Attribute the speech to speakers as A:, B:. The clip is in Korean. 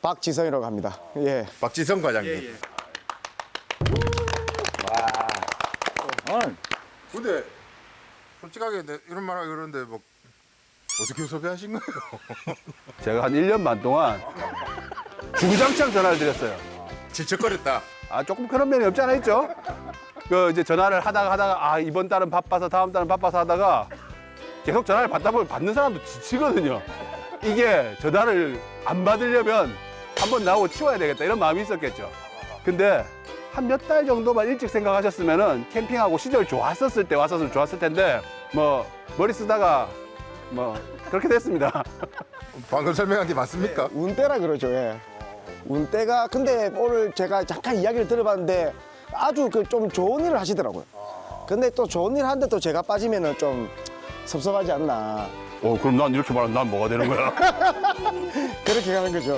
A: 박지성이라고 합니다. 예.
B: 박지성 과장님.
C: 예, 예.
B: 근데 솔직하게 이런 말 하기 그런데 뭐 어떻게 섭외하신 거예요?
D: 제가 한 1년 반 동안 주구장창 전화를 드렸어요.
B: 질척거렸다.
D: 아, 조금 그런 면이 없지 않아 있죠? 그 이제 전화를 하다가 아, 이번 달은 바빠서 다음 달은 바빠서 하다가 계속 전화를 받다 보면 받는 사람도 지치거든요. 이게 전화를 안 받으려면 한번 나오고 치워야 되겠다 이런 마음이 있었겠죠. 근데 한 몇 달 정도만 일찍 생각하셨으면은 캠핑하고 시절 좋았었을 때 왔었으면 좋았을 텐데 뭐 머리 쓰다가 뭐 그렇게 됐습니다.
B: 방금 설명한 게 맞습니까?
A: 운때라 그러죠. 예. 운때가 근데 오늘 제가 잠깐 이야기를 들어봤는데 아주 그 좀 좋은 일을 하시더라고요. 근데 또 좋은 일 하는데 또 제가 빠지면은 좀 섭섭하지 않나.
D: 그럼 난 이렇게 말하면 난 뭐가 되는 거야?
A: 그렇게 가는 거죠.